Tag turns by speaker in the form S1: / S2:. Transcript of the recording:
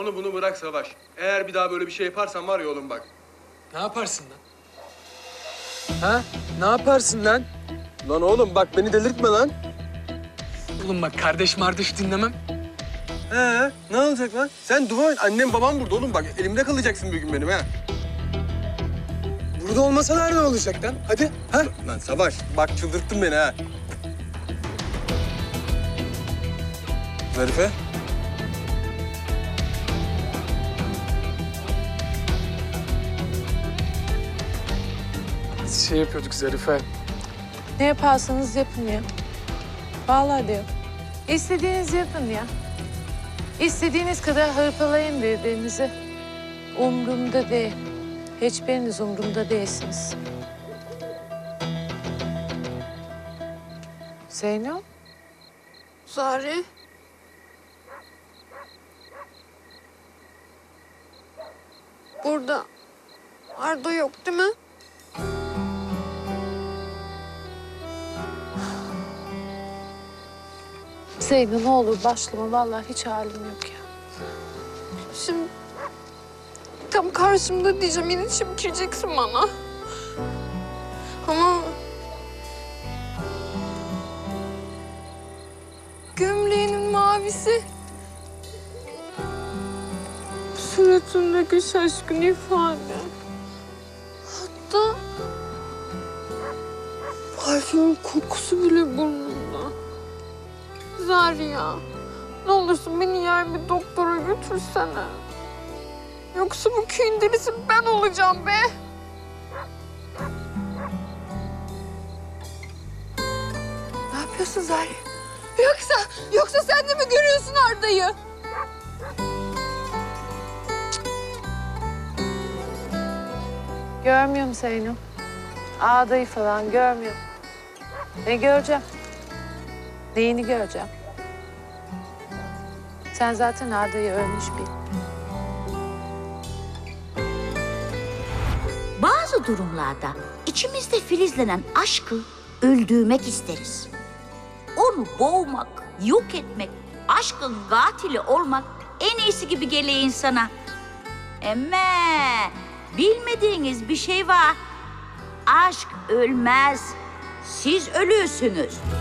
S1: onu bunu bırak Savaş. Eğer bir daha böyle bir şey yaparsan var ya oğlum bak.
S2: Ne yaparsın lan? Ha? Ne yaparsın lan?
S1: Lan oğlum bak beni delirtme lan.
S2: Oğlum bak kardeş mardeş dinlemem.
S1: Ne olacak lan? Sen dua et. Annem babam burada oğlum bak. Elimde kalacaksın bir gün benim ha.
S2: Burada olmasalar ne olacak lan? Hadi. Ha?
S1: Lan Savaş bak çıldırttın beni ha. Zarife.
S2: Biz şey yapıyorduk Zarife.
S3: Ne yaparsanız yapın ya. Vallahi diyor. İstediğinizi yapın ya. İstediğiniz kadar hırpalayın birbirinizi. Umrumda değil. Hiçbiriniz umrumda değilsiniz. Zeyno?
S4: Zari. Burada Arda yok değil mi?
S3: Zeyno ne olur başlama. Vallahi hiç halim yok ya.
S4: Şimdi tam karşımda diyeceğim, yine çimkireceksin bana. Ama gömleğinin mavisi, suratındaki şaşkın ifade, hatta parfümün kokusu bile burnumda. Zari ya, ne olursun beni yer bir doktora götürsene. Yoksa bu köyün delisi ben olacağım be. Ne yapıyorsun Zari? Yoksa sen de mi görüyorsun Arda'yı?
S3: Görmüyorum Zeyno. Ağdayı falan görmüyorum. Ne göreceğim? Neyini göreceğim? Sen zaten Arda'yı ölmüş bil.
S5: Bazı durumlarda içimizde filizlenen aşkı öldürmek isteriz. Onu boğmak, yok etmek, aşkın katili olmak en iyisi gibi geliyor insana. Ama bilmediğiniz bir şey var. Aşk ölmez. Siz ölürsünüz.